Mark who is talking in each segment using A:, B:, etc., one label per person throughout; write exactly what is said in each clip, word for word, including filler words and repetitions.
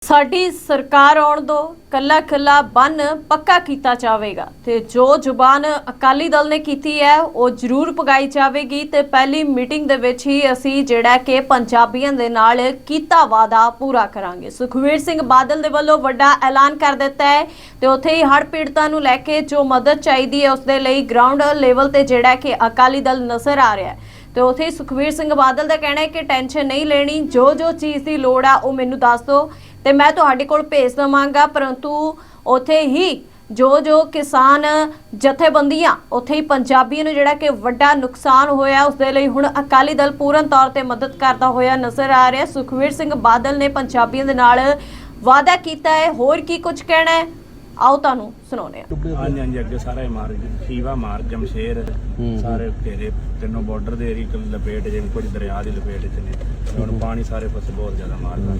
A: ਸਾਡੀ ਸਰਕਾਰ ਆਉਣ ਦੋ ਕੱਲਾ ਕੱਲਾ ਬੰਨ ਪੱਕਾ ਕੀਤਾ ਜਾਵੇਗਾ ਤੇ ਜੋ ਜ਼ੁਬਾਨ ਅਕਾਲੀ ਦਲ ਨੇ ਕੀਤੀ ਹੈ ਉਹ ਜ਼ਰੂਰ ਪਗਾਈ ਜਾਵੇਗੀ ਤੇ ਪਹਿਲੀ ਮੀਟਿੰਗ ਦੇ ਵਿੱਚ ਹੀ ਅਸੀਂ ਜਿਹੜਾ ਕਿ ਪੰਜਾਬੀਆਂ ਦੇ ਨਾਲ ਕੀਤਾ ਵਾਅਦਾ ਪੂਰਾ ਕਰਾਂਗੇ। ਸੁਖਬੀਰ ਸਿੰਘ ਬਾਦਲ ਦੇ ਵੱਲੋਂ ਵੱਡਾ ਐਲਾਨ ਕਰ ਦਿੱਤਾ ਹੈ ਤੇ ਉੱਥੇ ਹੀ ਹੜ੍ਹ ਪੀੜਤਾਂ ਨੂੰ ਲੈ ਕੇ ਜੋ ਮਦਦ ਚਾਹੀਦੀ ਹੈ ਉਸ ਦੇ ਲਈ ਗਰਾਊਂਡ ਲੈਵਲ ਤੇ ਜਿਹੜਾ ਕਿ ਅਕਾਲੀ ਦਲ ਨਜ਼ਰ ਆ ਰਿਹਾ ਹੈ। ਤੇ ਉੱਥੇ ਹੀ ਸੁਖਬੀਰ ਸਿੰਘ ਬਾਦਲ ਦਾ ਕਹਿਣਾ ਹੈ ਕਿ ਟੈਨਸ਼ਨ ਨਹੀਂ ਲੈਣੀ, ਜੋ ਜੋ ਚੀਜ਼ ਦੀ ਲੋੜ ਆ ਉਹ ਮੈਨੂੰ ਦੱਸ ਦਿਓ ਤੇ ਮੈਂ ਤੁਹਾਡੇ ਕੋਲ ਭੇਜ ਦਵਾਂਗਾ। परंतु ਉੱਥੇ ਹੀ ਜੋ ਜੋ ਕਿਸਾਨ ਜਥੇਬੰਦੀਆਂ ਉੱਥੇ ਹੀ ਪੰਜਾਬੀਆਂ ਨੂੰ ਜਿਹੜਾ ਕਿ ਵੱਡਾ ਨੁਕਸਾਨ ਹੋਇਆ ਉਸ ਦੇ ਲਈ ਹੁਣ ਅਕਾਲੀ ਦਲ ਪੂਰਨ ਤੌਰ ਤੇ ਮਦਦ ਕਰਦਾ ਹੋਇਆ ਨਜ਼ਰ ਆ ਰਿਹਾ। ਸੁਖਬੀਰ ਸਿੰਘ ਬਾਦਲ ਨੇ ਪੰਜਾਬੀਆਂ ਦੇ ਨਾਲ ਵਾਅਦਾ ਕੀਤਾ ਹੈ, ਹੋਰ ਕੀ ਕੁਝ ਕਹਿਣਾ ਹੈ आओ तुहानू सुनाउने
B: हाँ जी हाँ जी अगे सारा मार शीवा मार जमशेर सारे घेरे तीनों बॉर्डर दे एरिया लपेट जिवें कुछ दरिया की लपेट च ने हुण पानी सारे पासे बहुत ज्यादा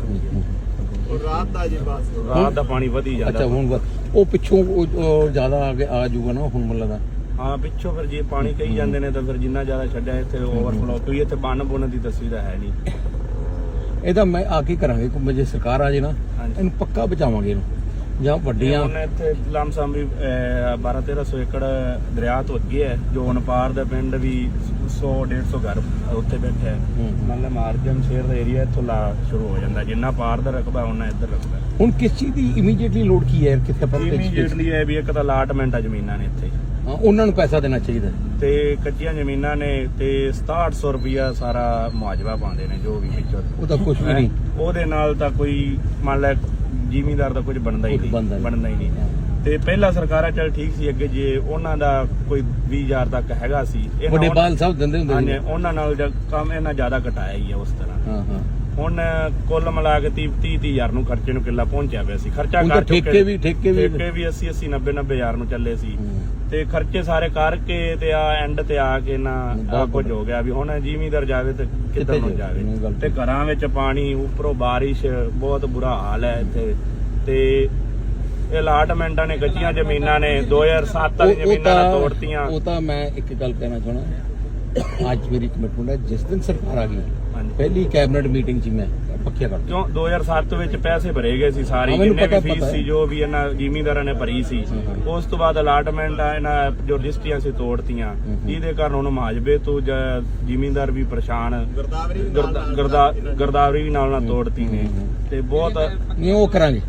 B: मारदा और रात दा जी बस रात दा पानी वधी जांदा।
C: अच्छा हुण ओ पिछों ज्यादा आगे आ जाऊगा ना हुण मुल्ला दा
B: हाँ पिछों फिर जे पानी कही जांदे ने तां फिर जिन्ना ज्यादा छड्डिया इत्थे ओवरफ्लो कोई इत्थे बन बुन दी तस्वीर है नहीं।
C: ਇਹਦਾ ਮੈਂ ਆ ਕੀ ਕਰਾਂਗੇ ਕਿ ਜੇ ਸਰਕਾਰ ਆ ਜੇ ਨਾ ਇਹਨੂੰ ਪੱਕਾ ਬਚਾਵਾਂਗੇ ਇਹਨੂੰ ਜਾਂ ਵੱਡੀਆਂ
B: ਉਹਨੇ ਇੱਥੇ ਲਮਸਮ ਵੀ ਬਾਰਾਂ ਤੇਰਾਂ ਸੌ ਏਕੜ ਦਰਿਆ ਤੋਂ ਅੱਗੇ ਹੈ ਜੋ ਅਨਪਾਰ ਦਾ ਪਿੰਡ ਵੀ ਸੌ ਡੇਢ ਸੌ ਘਰ ਉੱਥੇ ਬੈਠਾ ਹੈ। ਮਤਲਬ ਮਾਰਜਨ ਸ਼ੇਰ ਦਾ ਏਰੀਆ ਇੱਥੋਂ ਲਾ ਸ਼ੁਰੂ ਹੋ ਜਾਂਦਾ, ਜਿੰਨਾ ਪਾਰ ਦਾ ਰਕਬਾ ਉਹਨਾਂ ਇੱਧਰ ਰਕਬਾ।
C: ਹੁਣ ਕਿਸ ਚੀਜ਼ ਦੀ ਇਮੀਡੀਏਟਲੀ ਲੋੜ ਕੀ ਹੈ ਕਿੱਥੇ ਪਰ
B: ਇਮੀਡੀਏਟਲੀ ਹੈ ਵੀ ਇੱਕ ਤਾਂ ਅਲਾਟਮੈਂਟ ਆ ਜ਼ਮੀਨਾਂ ਨੇ ਇੱਥੇ,
C: ਹਾਂ ਉਹਨਾਂ ਨੂੰ ਪੈਸਾ ਦੇਣਾ ਚਾਹੀਦਾ
B: ਤੇ ਕੱਚੀਆਂ ਜ਼ਮੀਨਾਂ ਨੇ ਤੇ ਸਤਾਹਠ ਸੌ ਰੁਪਇਆ ਸਾਰਾ ਮੁਆਵਜ਼ਾ ਪਾਉਂਦੇ ਨੇ ਜੋ ਵੀ ਵਿੱਚੋਂ।
C: ਉਹਦਾ ਕੁਝ ਵੀ ਨਹੀਂ,
B: ਉਹਦੇ ਨਾਲ ਤਾਂ ਕੋਈ ਮੰਨ ਲੈ ਜ਼ਿਮੀਂਦਾਰ ਦਾ ਕੁਝ ਬਣਦਾ ਹੀ ਨਹੀਂ ਬਣਦਾ ਹੀ ਨਹੀਂ। ਤੇ ਪਹਿਲਾਂ ਸਰਕਾਰਾਂ ਚੱਲ ਠੀਕ ਸੀ, ਅੱਗੇ ਜੇ ਉਹਨਾਂ ਦਾ ਕੋਈ ਵੀਹ ਹਜ਼ਾਰ ਤੱਕ ਹੈਗਾ ਸੀ
C: ਵੱਡੇ ਬਾਲ ਸਾਹਿਬ ਦਿੰਦੇ ਹੁੰਦੇ
B: ਨੇ, ਉਹਨਾਂ ਨਾਲ ਕੰਮ ਇਹਨਾਂ ਜ਼ਿਆਦਾ ਘਟਾਇਆ ਹੀ ਹੈ ਉਸ ਤਰ੍ਹਾਂ।
C: ਹਾਂ ਹਾਂ
B: ਹੁਣ ਕੁੱਲ ਮਿਲਾ ਕੇ ਤੀਹ ਤੀਹ ਹਜ਼ਾਰ ਨੂੰ ਖਰਚੇ ਨੂੰ ਕਿੱਲਾ ਪਹੁੰਚਿਆ ਪਿਆ ਸੀ। ਖਰਚਾ ਕਰ
C: ਠੇਕੇ ਵੀ ਠੇਕੇ ਵੀ
B: ਠੇਕੇ ਵੀ ਅੱਸੀ ਅੱਸੀ ਨੱਬੇ ਨੱਬੇ ਹਜ਼ਾਰ ਨੂੰ ਚੱਲੇ ਸੀ ਤੇ ਖਰਚੇ ਸਾਰੇ ਕਰਕੇ ਤੇ ਆ ਐਂਡ ਤੇ ਆ ਕੇ ਨਾ ਕੁਝ ਹੋ ਗਿਆ ਵੀ ਹੁਣ ਜ਼ਿਮੀਂਦਾਰ ਜਾਵੇ ਤੇ ਕਿੱਧਰ ਨੂੰ ਜਾਵੇ। ਤੇ ਘਰਾਂ ਵਿੱਚ ਪਾਣੀ, ਉੱਪਰੋਂ ਬਾਰਿਸ਼, ਬਹੁਤ ਬੁਰਾ ਹਾਲ ਹੈ ਇੱਥੇ। ਤੇ ਇਹ ਅਲਾਟਮੈਂਟਾਂ ਨੇ ਕੱਚੀਆਂ ਜ਼ਮੀਨਾਂ ਨੇ ਦੋ ਹਜ਼ਾਰ ਸੱਤ ਵਾਲੀ ਜ਼ਮੀਨਾਂ ਨਾਲ ਤੋੜਤੀਆਂ।
C: ਉਹ ਤਾਂ ਮੈਂ ਇੱਕ ਗੱਲ ਕਹਿਣਾ ਚਾਹਣਾ, ਅੱਜ ਮੇਰੀ ਕਮਿਟਮੈਂਟ ਹੈ ਜਿਸ ਦਿਨ ਸਰਕਾਰ ਆ ਗਈ ਪਹਿਲੀ ਕੈਬਨਿਟ ਮੀਟਿੰਗ 'ਚ ਮੈਂ ਪੱਕਿਆ ਕਰ
B: ਕਿਉਂ ਦੋ ਹਜ਼ਾਰ ਸੱਤ ਵਿੱਚ ਪੈਸੇ ਭਰੇ ਗਏ ਸੀ ਸਾਰੇ, ਜਿੰਨੇ ਵੀ ਫੀਸ ਸੀ ਜੋ ਵੀ ਇਹਨਾਂ ਜ਼ਿਮੀਂਦਾਰਾਂ ਨੇ ਭਰੀ ਸੀ। ਉਸ ਤੋਂ ਬਾਅਦ ਅਲਾਟਮੈਂਟ ਆ ਇਹਨਾਂ ਜੋ ਰਜਿਸਟਰੀਆਂ ਸੀ ਤੋੜਤੀਆਂ, ਜਿਹਦੇ ਕਾਰਨ ਹੁਣ ਮਾਜਬੇ ਤੋਂ ਜ਼ਿਮੀਂਦਾਰ ਵੀ ਪਰੇਸ਼ਾਨ, ਗਰਦਾਵਰੀ ਵੀ ਨਾਲ ਨਾਲ ਤੋੜਤੀ ਨੇ ਤੇ ਬਹੁਤ
C: ਨਹੀਂ ਉਹ ਕਰਾਂਗੇ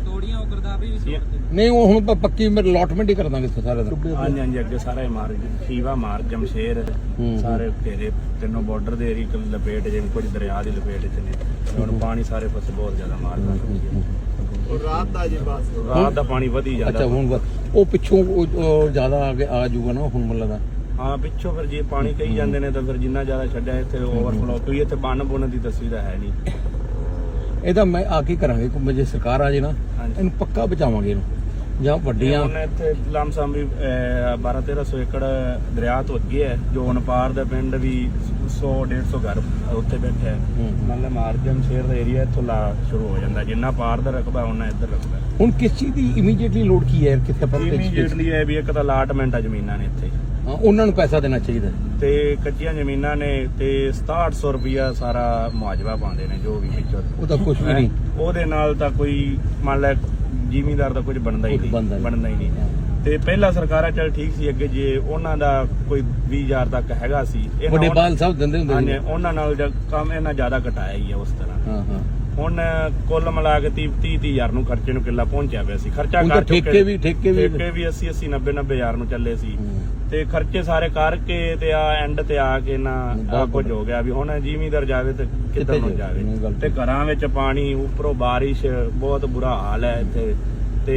C: ਨਹੀਂ ਉਹ ਹੁਣ ਪੱਕੀ ਮੈਂ ਅਲਾਟਮੈਂਟ ਹੀ ਕਰ ਦਾਂਗੇ ਸਾਰੇ ਦਾ।
B: ਹਾਂਜੀ ਹਾਂਜੀ ਅੱਗੇ ਸਾਰਾ ਮਾਰ ਸ਼ੀਵਾ ਮਾਰ ਜਮਸ਼ੇਰ ਸਾਰੇ ਘੇਰੇ तीनों बॉर्डर दे एरिया लपेट जिवें कुछ दरिया की लपेट च ने हुण पानी सारे पासे बहुत ज्यादा मारदा और रात दा जी बस रात दा पानी वधी जांदा।
C: अच्छा हुण ਉਹ ਪਿੱਛੋਂ ਜ਼ਿਆਦਾ ਆਗੇ ਆ ਜਾਊਗਾ ਨਾ ਹੁਣ ਮੁੱਲਾ ਦਾ
B: हाँ पिछों फिर जे पानी कही जांदे ने तां फिर जिन्ना ज्यादा छड्डिया इत्थे ओवरफ्लो कोई इत्थे बन बुन दी तस्वीर है नहीं।
C: ਇਹਦਾ ਮੈਂ ਆ ਕੀ ਕਰਾਂਗੇ ਕਿ ਜੇ ਸਰਕਾਰ ਆ ਜੇ ਨਾ ਇਹਨੂੰ ਪੱਕਾ ਬਚਾਵਾਂਗੇ ਇਹਨੂੰ ਜਾਂ ਵੱਡੀਆਂ
B: ਉਹਨੇ ਇੱਥੇ ਲਮਸਮ ਵੀ ਬਾਰਾਂ ਤੇਰਾਂ ਸੌ ਏਕੜ ਦਰਿਆ ਤੋਂ ਅੱਗੇ ਹੈ ਜੋ ਅਨਪਾਰ ਦਾ ਪਿੰਡ ਵੀ ਸੌ ਡੇਢ ਸੌ ਘਰ ਉੱਥੇ ਬੈਠਾ ਹੈ। ਮਤਲਬ ਮਾਰਜਨ ਸ਼ੇਰ ਦਾ ਏਰੀਆ ਇੱਥੋਂ ਲਾ ਸ਼ੁਰੂ ਹੋ ਜਾਂਦਾ, ਜਿੰਨਾ ਪਾਰ ਦਾ ਰਕਬਾ ਉਹਨਾਂ ਇੱਧਰ ਰਕਬਾ।
C: ਹੁਣ ਕਿਸ ਚੀਜ਼ ਦੀ ਇਮੀਡੀਏਟਲੀ ਲੋੜ ਕੀ ਹੈ ਕਿੱਥੇ ਪਰ
B: ਇਮੀਡੀਏਟਲੀ ਹੈ ਵੀ ਇੱਕ ਤਾਂ ਅਲਾਟਮੈਂਟ ਆ ਜ਼ਮੀਨਾਂ ਨੇ ਇੱਥੇ,
C: ਹਾਂ ਉਹਨਾਂ ਨੂੰ ਪੈਸਾ ਦੇਣਾ ਚਾਹੀਦਾ
B: ਤੇ ਕੱਚੀਆਂ ਜ਼ਮੀਨਾਂ ਨੇ ਤੇ ਸਤਾਹਠ ਸੌ ਰੁਪਇਆ ਸਾਰਾ ਮੁਆਵਜ਼ਾ ਪਾਉਂਦੇ ਨੇ ਜੋ ਵੀ ਵਿੱਚੋਂ।
C: ਉਹਦਾ ਕੁਝ ਵੀ ਨਹੀਂ,
B: ਉਹਦੇ ਨਾਲ ਤਾਂ ਕੋਈ ਮੰਨ ਲੈ ਜ਼ਿਮੀਂਦਾਰ ਦਾ ਕੁਝ ਬਣਦਾ ਹੀ ਨਹੀਂ ਬਣਦਾ ਹੀ ਨਹੀਂ। ਤੇ ਪਹਿਲਾਂ ਸਰਕਾਰਾਂ ਚੱਲ ਠੀਕ ਸੀ, ਅੱਗੇ ਜੇ ਉਹਨਾਂ ਦਾ ਕੋਈ ਵੀਹ ਹਜ਼ਾਰ ਤੱਕ ਹੈਗਾ ਸੀ
C: ਵੱਡੇ ਬਾਲ ਸਾਹਿਬ ਦਿੰਦੇ ਹੁੰਦੇ ਨੇ,
B: ਉਹਨਾਂ ਨਾਲ ਕੰਮ ਇਹਨਾਂ ਜ਼ਿਆਦਾ ਘਟਾਇਆ ਹੀ ਹੈ ਉਸ ਤਰ੍ਹਾਂ।
C: ਹਾਂ ਹਾਂ
B: ਹੁਣ ਕੁੱਲ ਮਿਲਾ ਕੇ ਤੀਹ ਤੀਹ ਹਜ਼ਾਰ ਨੂੰ ਖਰਚੇ ਨੂੰ ਕਿੱਲਾ ਪਹੁੰਚਿਆ ਪਿਆ ਸੀ। ਖਰਚਾ ਕਰ
C: ਠੇਕੇ ਵੀ ਠੇਕੇ ਵੀ
B: ਠੇਕੇ ਵੀ ਅੱਸੀ ਅੱਸੀ ਨੱਬੇ ਨੱਬੇ ਹਜ਼ਾਰ ਨੂੰ ਚੱਲੇ ਸੀ ਤੇ ਖਰਚੇ ਸਾਰੇ ਕਰਕੇ ਤੇ ਆ ਐਂਡ ਤੇ ਆ ਕੇ ਨਾ ਕੁਝ ਹੋ ਗਿਆ ਵੀ ਹੁਣ ਜ਼ਿਮੀਂਦਾਰ ਜਾਵੇ ਤੇ ਕਿੱਧਰ ਨੂੰ ਜਾਵੇ। ਤੇ ਘਰਾਂ ਵਿੱਚ ਪਾਣੀ, ਉੱਪਰੋਂ ਬਾਰਿਸ਼, ਬਹੁਤ ਬੁਰਾ ਹਾਲ ਹੈ ਇੱਥੇ। ਤੇ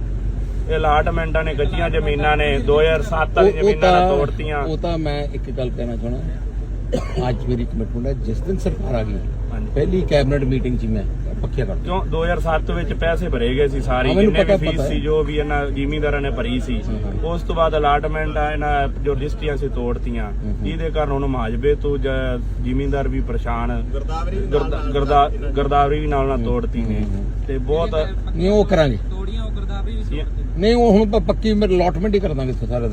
B: ਇਹ ਅਲਾਟਮੈਂਟਾਂ ਨੇ ਕੱਚੀਆਂ ਜ਼ਮੀਨਾਂ ਨੇ ਦੋ ਹਜ਼ਾਰ ਸੱਤ ਵਾਲੀ ਜ਼ਮੀਨਾਂ ਨਾਲ ਤੋੜਤੀਆਂ।
C: ਉਹ ਤਾਂ ਮੈਂ ਇੱਕ ਗੱਲ ਕਹਿਣਾ ਚਾਹਣਾ, ਅੱਜ ਮੇਰੀ ਕਮਿਟਮੈਂਟ ਹੈ ਜਿਸ ਦਿਨ ਸਰਕਾਰ ਆ ਗਈ ਪਹਿਲੀ ਕੈਬਨਿਟ ਮੀਟਿੰਗ 'ਚ ਮੈਂ ਪੱਕਿਆ ਕਰ
B: ਕਿਉਂ ਦੋ ਹਜ਼ਾਰ ਸੱਤ ਵਿੱਚ ਪੈਸੇ ਭਰੇ ਗਏ ਸੀ ਸਾਰੇ, ਜਿੰਨੇ ਵੀ ਫੀਸ ਸੀ ਜੋ ਵੀ ਇਹਨਾਂ ਜ਼ਿਮੀਂਦਾਰਾਂ ਨੇ ਭਰੀ ਸੀ। ਉਸ ਤੋਂ ਬਾਅਦ ਅਲਾਟਮੈਂਟ ਆ ਇਹਨਾਂ ਜੋ ਰਜਿਸਟਰੀਆਂ ਸੀ ਤੋੜਤੀਆਂ, ਜਿਹਦੇ ਕਾਰਨ ਹੁਣ ਮਾਜਬੇ ਤੋਂ ਜ਼ਿਮੀਂਦਾਰ ਵੀ ਪਰੇਸ਼ਾਨ, ਗਰਦਾਵਰੀ ਵੀ ਨਾਲ ਨਾਲ ਤੋੜਤੀ ਨੇ ਤੇ ਬਹੁਤ
C: ਨਹੀਂ ਉਹ ਕਰਾਂਗੇ ਨਹੀਂ ਉਹ ਹੁਣ ਪੱਕੀ ਮੈਂ ਅਲਾਟਮੈਂਟ ਹੀ ਕਰ ਦਾਂਗੇ ਸਾਰੇ।